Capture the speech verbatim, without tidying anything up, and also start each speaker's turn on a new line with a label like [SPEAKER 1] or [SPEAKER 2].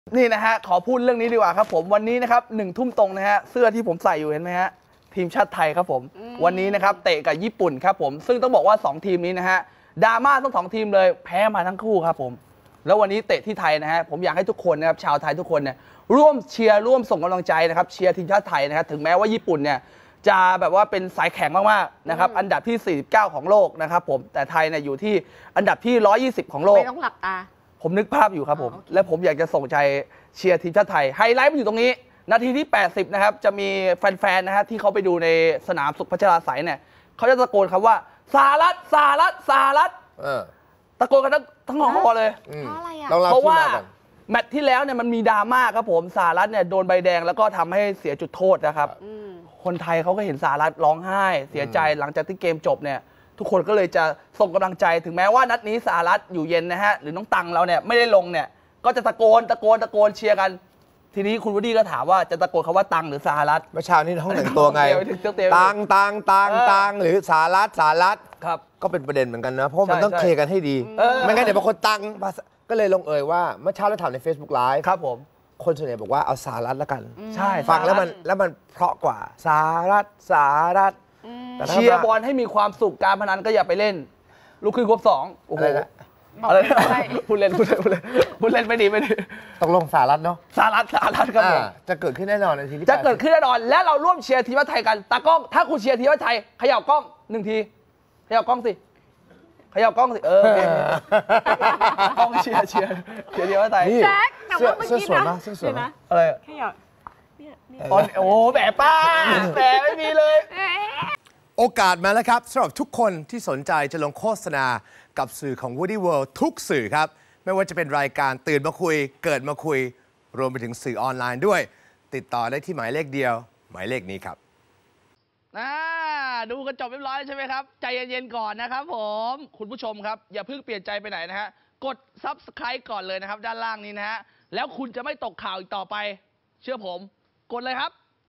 [SPEAKER 1] นี่นะฮะขอพูดเรื่องนี้ดีกว่าครับผมวันนี้นะครับหนึ่งทุ่มตรงนะฮะเสื้อที่ผมใส่อยู่เห็นไหมฮะทีมชาติไทยครับผมวันนี้นะครับเตะกับญี่ปุ่นครับผมซึ่งต้องบอกว่าสองทีมนี้นะฮะดราม่าทั้งสองทีมเลยแพ้มาทั้งคู่ครับผมแล้ววันนี้เตะที่ไทยนะฮะผมอยากให้ทุกคนนะครับชาวไทยทุกคนเนี่ยร่วมเชียร์ร่วมส่งกำลังใจนะครับเชียร์ทีมชาติไทยนะครับถึงแม้ว่าญี่ปุ่นเนี่ยจะแบบว่าเป็นสายแข็งมากๆนะครับอันดับที่สี่สิบเก้าของโลกนะครับผมแต่ไทยเนี่ยอยู่ที่อันดับที่หนึ่งร้อยยี่สิบของโลก
[SPEAKER 2] ไม่ต้องหลับตา
[SPEAKER 1] ผมนึกภาพอยู่ครับผมและผมอยากจะส่งใจเชียร์ทีมชาติไทยไฮไลท์มันอยู่ตรงนี้นาทีที่แปดสิบนะครับจะมีแฟนๆนะฮะที่เขาไปดูในสนามสุขพัชราไสยเนี่ยเขาจะตะโกนคำว่าสหรัฐสหรัฐสหรัฐตะโกนกันทั้งทั้งหอเลย
[SPEAKER 2] เพราะอะไรอ่ะ
[SPEAKER 1] เพราะว่าแมตช์ที่แล้วเนี่ยมันมีดราม่าครับผมสหรัฐเนี่ยโดนใบแดงแล้วก็ทำให้เสียจุดโทษนะครับคนไทยเขาก็เห็นสหรัฐร้องไห้เสียใจหลังจากที่เกมจบเนี่ยทุกคนก็เลยจะส่งกำลังใจถึงแม้ว่านัดนี้สหรัฐอยู่เย็นนะฮะหรือน้องตังเราเนี่ยไม่ได้ลงเนี่ยก็จะตะโกนตะโกนตะโกนเชียร์กันทีนี้คุณวูดดี้ก็ถามว่าจะตะโกนคำว่าตังหรือสหรัฐ
[SPEAKER 3] เมื่อเช้านี้ห้องแต่งตัวไงตังตังตังตังหรือสหรัฐสหรัฐ
[SPEAKER 1] ครับ
[SPEAKER 3] ก็เป็นประเด็นเหมือนกันนะเพราะมันต้องเคลียร์กันให้ดีไม่งั้นเดี๋ยวบางคนตังก็เลยลงเอยว่าเมื่อเช้าเราถามใน Facebook Live
[SPEAKER 1] ครับผม
[SPEAKER 3] คนส่วนใหญ่บอกว่าเอาสหรัฐแล้วกัน
[SPEAKER 1] ใช่
[SPEAKER 3] ฟังแล้วมันแล้วมันเพราะกว่าสหรัฐสหรัฐ
[SPEAKER 1] เชียร์บอลให้มีความสุขการพนันก็อย่าไปเล่นลูกคือครบสองโอ้โหอะไรพูดเล่นพูดเล่นพูดเล่นพูดเล่นไม่ดีไม่ดี
[SPEAKER 3] ตกลงสหรัฐเนาะ
[SPEAKER 1] สหรัฐสหรัฐครับผม
[SPEAKER 3] จะเกิดขึ้นแน่นอนในทีที่
[SPEAKER 1] จะเกิดขึ้นแน่นอนและเราร่วมเชียร์ทีมชาติไทยกันตากล้องถ้าคุณเชียร์ทีมชาติไทยเขย่ากล้องหนึ่งทีเขย่ากล้องสิเขย่ากล้องสิเออกล้องเชียร์เชียร์เชียร์ทีมชาติไทย
[SPEAKER 2] แจ็คแต่ว่าเมื่อกี้นะ
[SPEAKER 3] เสื้อสวยนะ
[SPEAKER 1] อะไร
[SPEAKER 2] เขย่า
[SPEAKER 1] โอ้แหมป้าแหมไม่มีเลย
[SPEAKER 3] โอกาสมาแล้วครับสำหรับทุกคนที่สนใจจะลงโฆษณากับสื่อของ Woody World ทุกสื่อครับไม่ว่าจะเป็นรายการตื่นมาคุยเกิดมาคุยรวมไปถึงสื่อออนไลน์ด้วยติดต่อได้ที่หมายเลขเดียวหมายเลขนี้ครับ
[SPEAKER 1] ดูกันจบเรียบร้อยใช่ไหมครับใจเย็นๆก่อนนะครับผมคุณผู้ชมครับอย่าเพิ่งเปลี่ยนใจไปไหนนะฮะกด ซับสไครบ์ ก่อนเลยนะครับด้านล่างนี้นะฮะแล้วคุณจะไม่ตกข่าวอีกต่อไปเชื่อผมกดเลยครับ